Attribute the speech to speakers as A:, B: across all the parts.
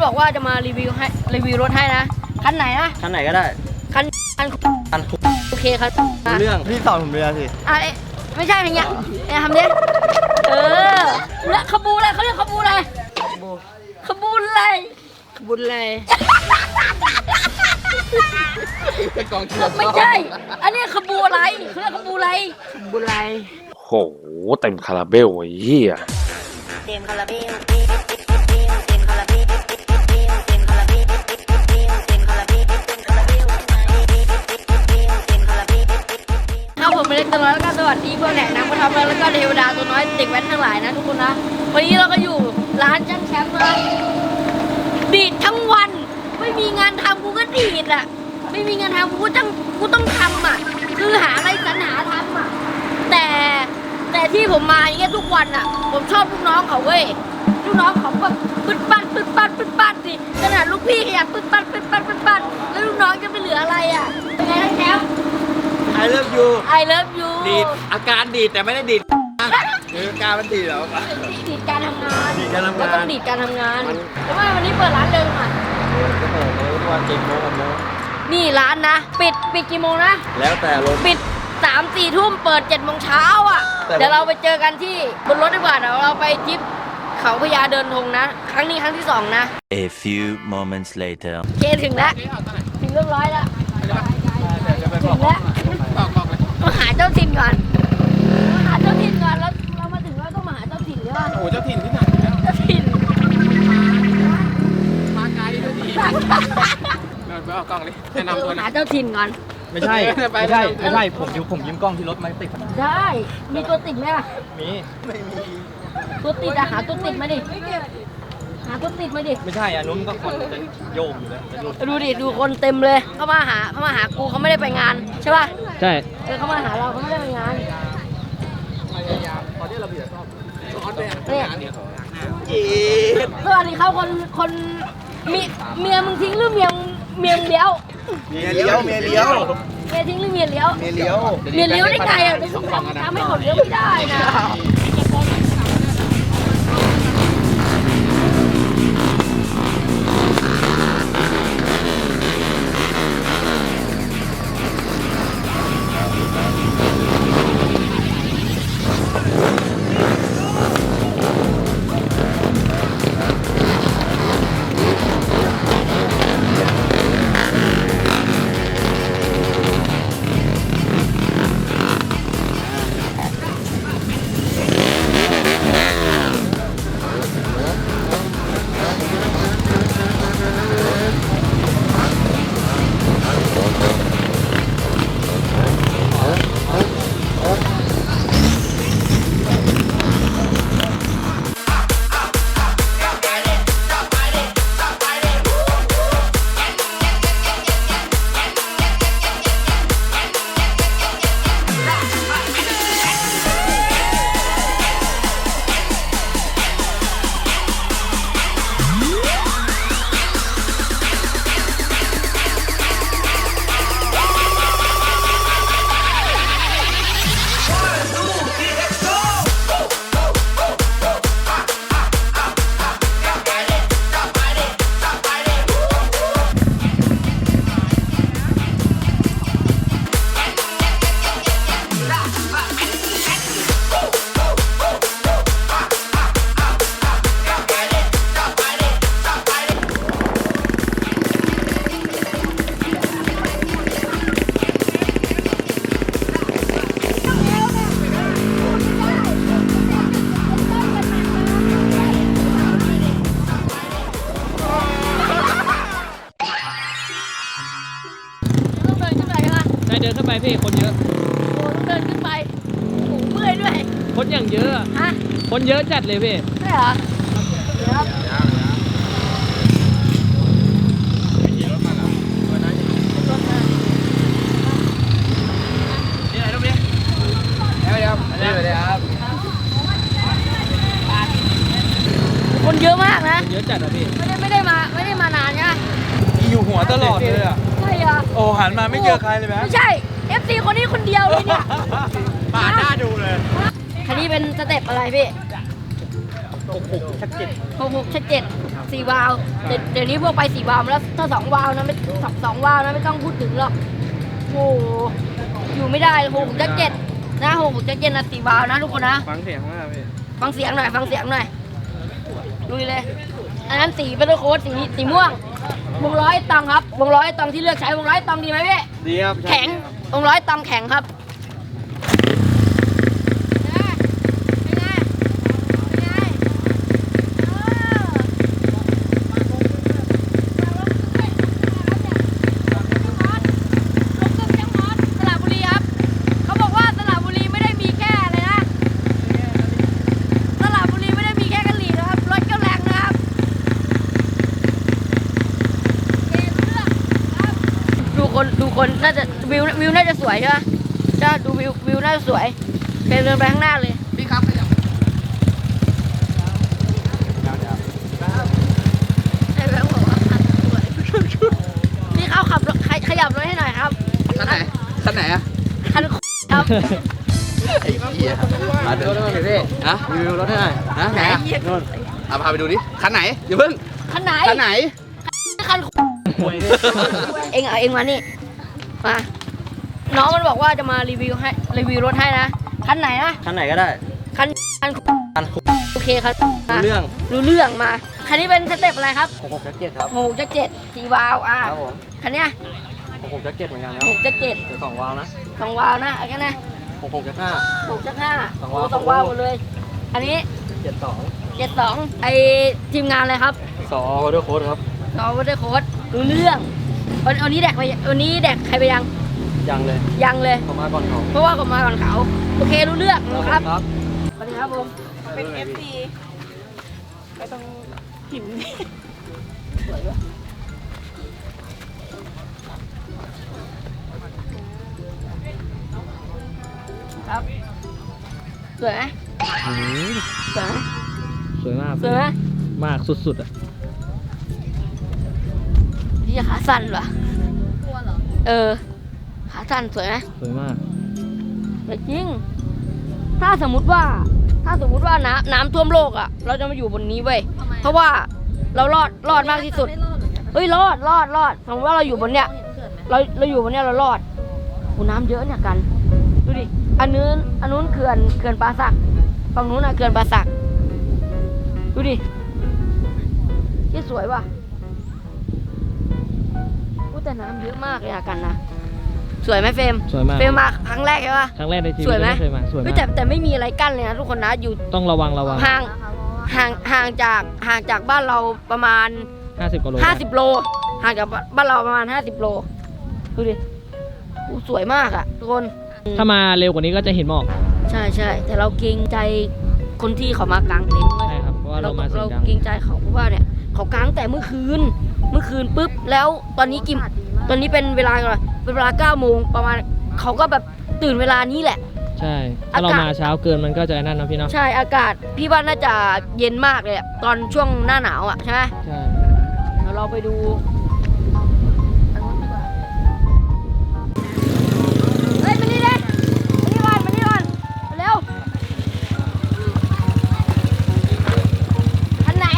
A: บอกว่าจะมารีวิวรถให้นะคันไหนนะ
B: คันไหนก็ได้
A: คัน โอเคครับ
B: เรื่องพี่สอนผมเรือสิ
A: ไม่ใช่อย่างเงี้ยทำดิและขบูอะไรเขาเรียกขบูอะไรขบูอะไรขบูอะไรไม่ใช่ อันนี้ขบูอะไรเขาเรียกขบูอะไรขบูอะไร
C: โหเต็มคาราเบลไอ้เหี้ย
A: เต็มคาราเบลผมเป็นเล็กตัวน้อยแล้วก็สวัสดีเพื่อนแหกน้ำมาทำแล้วก็เทวดาตัวน้อยเด็กแว้นทั้งหลายนะทุกคนนะวันนี้เราก็อยู่ร้านจันแชมป์นะดีดทั้งวันไม่มีงานทำกูก็ดีดอ่ะไม่มีงานทำกูต้องทำอ่ะคือหาอะไรสรรหาทำอ่ะแต่ที่ผมมาอย่างเงี้ยทุกวันอ่ะผมชอบลูกน้องเขาเว้ยลูกน้องเขาแบบปึ๊ดปั้นสิขนาดลูกพี่ก็อยากปึ๊ดปั้นแล้วลูกน้องจะไม่เหลืออะไรอ่ะเป็นไงนะแชมป์
B: I love you
A: ดีด
B: อาการดีดแต่ไม่ได้ดีดคือการมันดีดเหรอ
A: ดีดการทำงานก็ต้องดีดการทำงานทำไมวันนี้เปิดร้านเดิมอ่ะ
B: ก็เปิดเลยทุกวัน7 โมง6 โมง
A: นี่ร้านนะปิดกี่โมงนะ
B: แล้วแต่ลม
A: ปิด3-4 ทุ่มเปิด7 โมงเช้าอ่ะเดี๋ยวเราไปเจอกันที่บนรถดีกว่าเดี๋ยวเราไปทริปเขาพญาเดินธงนะครั้งนี้ครั้งที่2นะ
D: A few moments later
A: เคถึงแล้วถึงเรียบร้อยแล้วถึงแล้วมาหาเจ้าถิ่นก่อนแล้วเรามาถึงแล้วก็มาหาเจ้าถิ่นใช่ป่ะ
B: โอ้เจ้าถิ่นที่ไหน
A: เจ้าถิ่น
B: มาไกลด้วยดิไปเอากล้องเลยแนะนำตัว
A: หาเจ้าถิ่นก่อน
B: ไม่ใช่ผมยืมกล้องที่รถมาติด
A: ได้มีตัวติดไหมล่ะ
B: มีไม่มี
A: ตัวติดหาตัวติดมาดิหาตัวติดมาดิ
B: ไม่ใช่นุ่นก็คนจะโยกอยู่แล้ว
A: ดูดิดูคนเต็มเลยเขามาหากูเขาไม่ได้ไปงานใช่ป่ะ
B: ใช่
A: เขามาหาเราเขาไม่ได้ไปงาน
B: ตอนนี้เราเบียดชอบ
A: เนี่ยสวัสดีครับคนเมียมึงทิ้งหรือเมียเลี้ยว
B: เมียทิ้งหรือเมียเลี้ยว
A: ได้ไงอ่ะทำให้คนเลี้ยวไม่ได้นะ
B: เดินขึ้นไปพี่คนเยอะ
A: โอ้ต้องเดินขึ้นไปโอ้เมื่อยด้วย
B: คนอย่างเยอะ
A: ฮะ
B: คนเยอะจัดเลยพี่
A: ใช่เหรอครับ
B: นี่ไหนรูปนี้ครับ
A: คนเยอะมากนะ
B: เยอะจัดอ่ะพี่
A: ไม่ได้มานานใช่ไหม
B: อยู่หัวตลอดเลยอ่ะ
A: ใช่เหรอ
B: โอ้หันมาไม่เจอใครเลยไหม
A: ไม่ใช่ FC คนนี้คนเดียวเลยเนี่ย
B: ปาดหน้าดูเลย
A: คันนี้เป็นสเต็ปอะไรพี่
B: 66 ชัก 7
A: 66 ชัก 7 4 วาล์วเดี๋ยวนี้พวกไป4 วาล์วแล้วถ้า2 วาล์วนะไม่2 วาล์วนะไม่ต้องพูดถึงหรอกโอ้อยู่ไม่ได้667นะ667นะ4 วาล์วนะทุกคนนะ
B: ฟังเสียงมากพี่
A: ฟังเสียงหน่อยลุยเลยอันนั้นสีเป็นโค้ดสีม่วงวงล้อตองครับวงล้อตองที่เลือกใช้วงล้อตองดีไหมพี่
B: ดีครับ
A: แข็งวงล้อตองแข็งครับดูคนน่าจะวิวน่าจะสวยใช่ไหมจะดูวิวน่าจะสวยเดินไปข้างหน้าเลย
B: พี่ครับขยับ
A: ไอ้แบงค์บอกว่าสวยพี่เขาขับรถขยับรถให้หน่อยครับ
B: คันไหนคันไหนอะ
A: คันครับ
B: ไอ้เหี้ยมาดูรถหน่อยพี่ฮะรีวิวรถให้หน่อยฮะไหนอะนู่นเอาพาไปดูดิคันไหนอย่าเพิ่ง
A: คันไหน
B: คันไหน
A: คันเองมานี่มาน้องมันบอกว่าจะมารีวิวรถให้นะคันไหนนะ
E: คันไหนก็ได้
A: คัน
E: คัน
A: โอเคครับ
E: รู้เรื่อง
A: รู้เรื่องมาคันนี้เป็นสเต็ปอะไรครับ
E: 66.7ครับ
A: 6.7 4 วาล์ว
E: ครับผม
A: คันเนี้ย
E: 66.7เหมือนกันนะ
A: 6.7
E: เดี๋ยว2 วาล์วนะ
A: 2 วาล์วนะเอาแค่นั้น
E: 66.5
A: 6.5
E: สองวาล์ว
A: 2 วาล์วหมดเลย อันนี้
E: 72
A: 72ไอทีมงานอะไรครับ
E: 2 วอเตอร์โค้ดครับ
A: น้องวัตเตอร์โค้ดรู้เรื่องวันนี้แดกใครไปยัง
E: ยังเลย
A: ยังเลย
E: เขามาก่อนเขา
A: เพราะว่าผมมาก่อนเขาโอเครู้เรื่องนะครับ
E: ครับ
A: สวัสดีครับผม
F: เป็น FC ไปตรงหิน
A: สวยด้วยครับสวยไหมสวยไหม
E: สวยมาก
A: สวยไหม
E: มากสุดๆอ่ะ
A: พี่ขาสั้นเหรอขาสั้นสวยไหม
E: สวยมาก
A: แต่จริง ถ้าสมมุติว่าน้ำท่วมโลกอ่ะ เราจะมาอยู่บนนี้เว้ย เพราะว่าเรารอดมากที่สุด เฮ้ยรอดสมมติว่าเราอยู่บนเนี้ย เราอยู่บนเนี้ยเรารอดโหน้ำเยอะเนี่ยกัน ดูดิ อันนู้นเขื่อนป่าสัก ฝั่งนู้นน่ะเขื่อนป่าสัก ดูดิที่สวยว่ะแต่น้ำเยอะมากเลยอะกันนะ สวยไหมเฟรม
E: สวยมาก
A: เฟรมมาครั้งแรกใช่ปะ
E: ครั้งแรกในชีวิต
A: สวยไหม
E: เคยมาสวย
A: เฮ้
E: มาย ก
A: แต่ไม่มีอะไรกั้นเลยนะทุกคนนะอยู่
E: ต้องระวัง
A: ห่างจากบ้านเราประมาณ
E: 50 กิโล
A: 50 โลห่างจากบ้านเราประมาณ50 โลดูดิสวยมากอะทุกคน
E: ถ้ามาเร็วกว่านี้ก็จะเห็นหมอก
A: ใช่แต่เราเกรงใจคนที่เขามากางเต็นท์เว้ย
E: ใช่ครับ เพราะว่าเรามาเสียงดัง
A: เกรงใจเขาเพราะว่าเนี่ยเขากางแต่เมื่อคืนปุ๊บแล้วตอนนี้เป็นเวลาอะไรเป็นเวลา 9 โมงประมาณเขาก็แบบตื่นเวลานี้แหละ
E: ใช่ ถ้าเรามาเช้าเกินมันก็จะนั่นนะพี่เนาะ
A: ใช่อากาศพี่ว่าน่าจะเย็นมากเลยอะตอนช่วงหน้าหนาวอ่ะใช่ไหม
E: ใช่
A: เดี๋ยวเราไปดูเฮ้ยมานี่เลยมานี่ก่อนมาเร็วคันไหน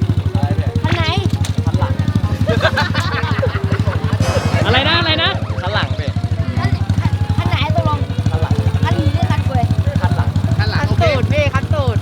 E: อะไรนะ
B: คันหลังพี่
A: คันไหนตกลงคันนี้หรือคันเฟย
B: คันหลังโอเค
F: พี่คันตูด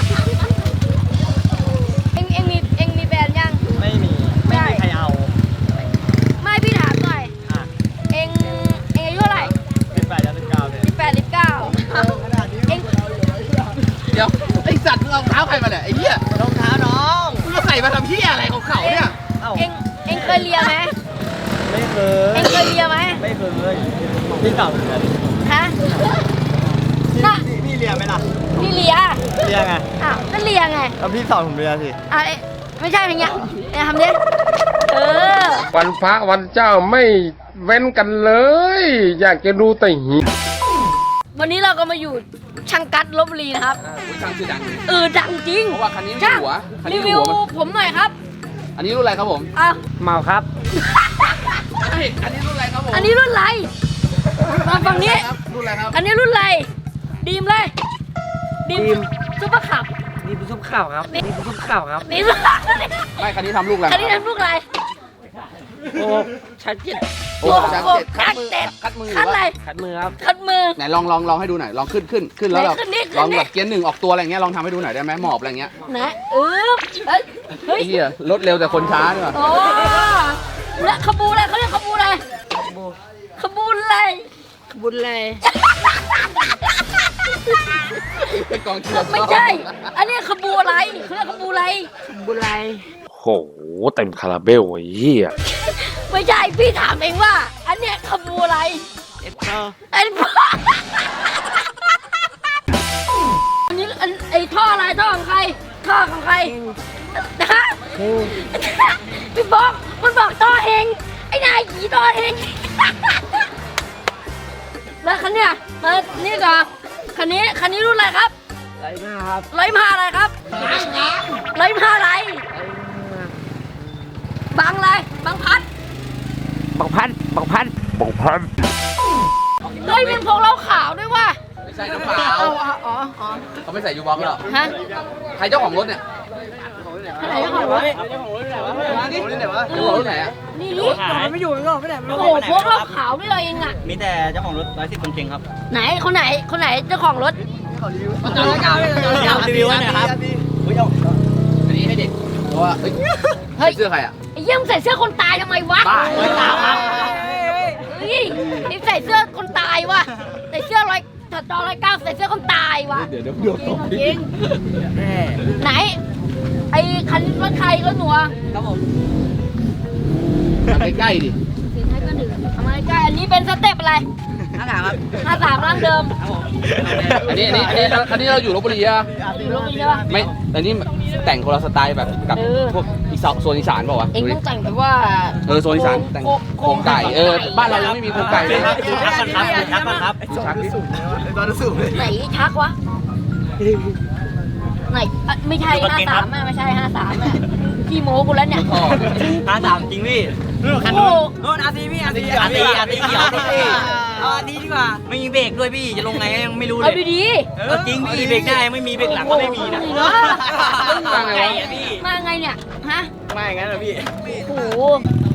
A: เอ็งมีแฟนยัง
E: ไม่มีใครเอา
A: ไม่พี่ถามหน่อยเอ็งอายุเท่าไหร่
E: 18 19เนี่ย
A: 18 19เอ็ง
B: เดี๋ยวไอ้สัตว์มึงเอาเท้าใครมาเนี่ยไอ้เหี้ย
E: รองเท้าน้อง
B: มึงมาใส่มาทำเหี้ยอะไรของเขาเนี่ย
A: เอ็งเคยเลียไหม
E: ไม่เค
A: เอ็งเคยเลียไหม
E: ไม่เคยพี่เก่าเหมือนกัน
A: ฮะน่ะ
E: พี่เรียนไหมล่ะ
A: พี่เลีย
E: เรียนไง
A: อ้าวนั่นเลียไง
E: แล้วพี่สอนผมเรียนสิ
A: ไม่ใช่อย่างเงี้ยเนี่ยทำดิ
C: วันพระวันเจ้าไม่เว้นกันเลย อยากจะดูแต่หิ
A: วันนี้เราก็มาอยู่ช่างกัดลพบุรีนะครับ
B: ช่างชื่อดังเลย
A: ดังจริง
B: เพราะว่าคันนี้มี
A: ช่าง
B: หัวคัน
A: รี
B: นี้มี
A: วิว
B: หัวมัน
A: ผมหน่อยครับ
B: อันนี้รุ่นอะไรครับผม
A: อ้าว
E: เมาครับ
B: เฮ้ยอันนี้รุ่นอะไรครับผม
A: อันนี้รุ่นอะไรมาฝั่งนี้
B: รุ่นอะไรครับ
A: อันนี้รุ่นอะไรดีมเลยดีมซุปเปอร์ขับ
E: นี่เป็นซุป
A: ข่าวครับนี่ทุกข่าวครับนี่
B: ไม่คันนี้ทำลูกอะไร
A: คันนี้ทำลูกอะไรโอ้ชัดเจน
B: โอ้ชั้นเจ็ดคัดมือหรือ
A: คัดอะไร
B: ว่า
A: คัดมือครับคัดมือ
B: ไหนลองให้ดูหน่อยลองขึ้นแล้วแบบ
A: ไหนขึ้นดิ
B: ลองแบบเกียร์หนึ่งออกตัวอะไรเงี้ยลองทำให้ดูหน่อยได้ไหมหมอบอะไรเงี้ย
A: นะเฮ้ย
B: ไอ้เหี้ยรถเร็วแต่คนช้าด้วย
A: โอ้และขบูอะไรเขาเรียกขบูอะไรขบูอะไรขบูอะไร
B: เป็นกองเชียร์
A: ไม่ใช่ อันนี้ขบูอะไรเขาเรียกขบูอะไรขบูอะไร
C: โหเต็มคาราเบลไอ้เหี้ย
A: ไม่ใช่พี่ถามเองว่า อันเนี้ยขบูอะไรอันนี้ไอ้ท่ออะไรท่อของใครท่อของใครฮะพี่บอกมันบอกท่อเฮงไอ้นายขี่ท่อเฮงแล้วคันเนี้ยมานี่ก่อนคันนี้รุ่นอะไรครับร้อยมาอะไรครับร้อยมาอะไรบางอะไรบางพัดเฮ้ยมันพวกเราขาวด้วยว่ะ
B: ไม่ใช่น้ำเปล่า
A: อ๋อ
B: เขาไม่ใส่ยูบ็อกซ์หรอ
A: ฮะ
B: ใครเจ้าของรถเนี่ย
A: อะไรเจ้าของรถ
B: เจ้าของรถไหนอะ
A: นี่ไม่อยู่ไม่ได้โอ้โหพวกเราขาวด้วยเองอ่ะ
E: มีแต่เจ้าของรถ110คนเก่งครับ
A: ไหนคนไหนเจ้าของรถ
E: รีวิวหน่อยครับ
B: อันนี้ให้เด็กเพราะว่าเฮ้ย
A: เฮ้ย
B: เสื้อใครอะ
A: ไอ้เยี่ยมใส่เสื้อคนตายทำไมวะ
B: บ้า
A: เฮ้ยไอ้ใส่เสื้อคนตายวะใส่เสื้อ109ใส่เสื้อคนตายวะ
B: เดี๋ยว
A: จริงไหน ไอ้คันรถใครรถหนัว
B: ทำใกล้ๆดิ
A: สีไทยก็หนึ่งทำไมใกล้อันนี้เป็นสเต็ปอะไร53ครับ53ร่างเดิม
B: อันนี้เราอยู่ลพบุรีอะ
A: อยู่ลงใช่ปะ
B: ไม่อันนี้แต่งคนละสไตล์แบบกับ
A: เออ
B: พวกโซนอีสานเปล่าวะ
A: เอ็งต้องแต่งแบบว่า
B: โซนอีสานแต่งโครงไก่บ้านเรายังไม่มีโครงไก่เลย
E: ทักก่อนครับ
B: ชักดิ
A: ไหนชักวะไหนไม่ใช่53ไม่ใช่53พี่โม้กูแล้วเนี่ย
B: ท่อ
E: 53จริงพี่คันนู้นโน่นอาร์ตีพี่อาร์ตีเขียวพี่อาร์ตีดีกว่าไม่มีเบรกด้วยพี่จะลงไงยังไม่รู้เล
A: เอา
E: ย
A: ดี
E: จริงพี่เบรกได้ไม่มีเบรกหลังก็ไม่มีนะ
B: ว่าไงวะ
E: พี่
A: มาไงเนี่ยฮะ
E: ไม่งั้นเหรอพี่
A: โอ้โห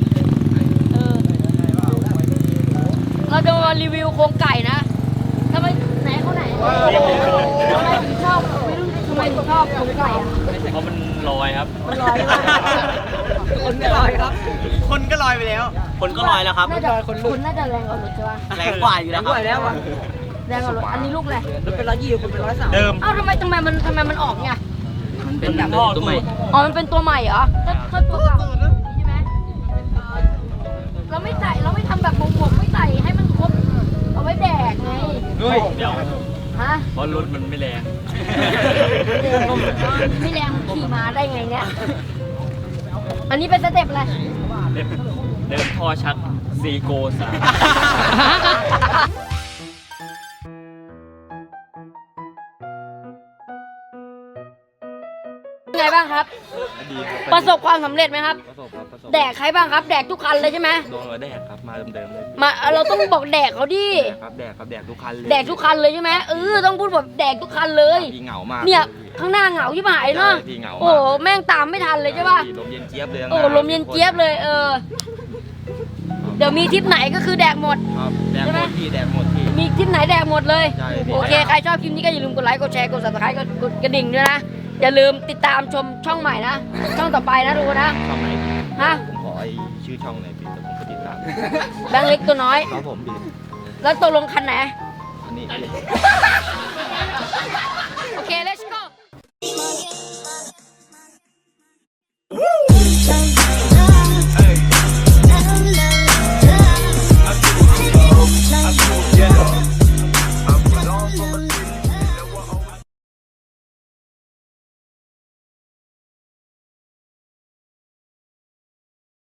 A: เราจะมารีวิวโครงไก่นะทำไมไหนเขาไหนทำไมถึงชอบไม่รู้ทำไมถึงชอบโครงไก่อะ
E: เพราะมันลอยครับ
A: มันลอยมาก
E: คนก็ลอยครับ คนก็ลอยไปแล้ว คนก็ลอยแล้วครับ
A: น่าจะคุณน่าจะแรงกว่ารถใช่ปะ
E: แรงกว่าอยู่แล้วครับ
A: แรงกว่ารถอันนี้ลูกอะไร
E: รถเป็น120คุณเป็น130เดิม
A: เอ้าทำไมมันออกเนี่ย
E: มันเป็นแบบตัวใหม่
A: อ๋อมันเป็นตัวใหม่เหรอถ้าตัวเก่าใช่ไหมเราไม่ทำแบบหมวกไม่ใส่ให้มันครบเอาไว้แดกไง
E: เฮ้ยเดี๋ยว
A: ฮะ
E: เพราะรถมันไม่แรง
A: ไม่แรงขี่มาได้ไงเนี่ย อันนี้เป็นสเต็ปอะไร
E: เดิมท่อชักซีโกสา
A: ไงบ้างครับ ประสบความสำเร็จไหมครับ แดกใครบ้างครับ แดกทุกคันเลยใช่ไหม
E: โดนหัวแดกครับมาเดิมๆเลย
A: มาเราต้องบอกแดกเขาดิ
E: แดกทุกคันเลย
A: แดกทุกคันเลยใช่ไหมต้องพูดแบบแดกทุกคันเลย
E: พี่เหงามาก
A: เนี่ยข้างหน้าเหงาที่หายเนาะ
E: พี่เหงามาก
A: โอ้แม่งตามไม่ทันเลยใช่ป่ะ
E: ลมเย็นเจี๊ยบเลย
A: โอ้ลมเย็นเจี๊ยบเลยเดี๋ยวมีทริปไหนก็คือแดกหมด
E: ครับแดกหมดพี่แดกหมดพี่
A: มีทริปไหนแดกหมดเลย
E: ใช่พี่
A: โอเคใครชอบคลิปนี้ก็อย่าลืมกดไลค์กดแชร์กด subscribe กดกระดิ่งด้วยนะอย่าลืมติดตามชมช่องใหม่นะช่องต่อไปนะทุกคนนะ
E: ช่องไหน
A: ฮะ
E: ผมขอไอ้ชื่อช่องหน่อยพี่แต่ผมก็ติดตาม
A: แบงค์เล็กตัวน้อย
E: ครับผมพี่
A: แล้วตกลงคันไหน
E: อันนี้
A: โอเค let's go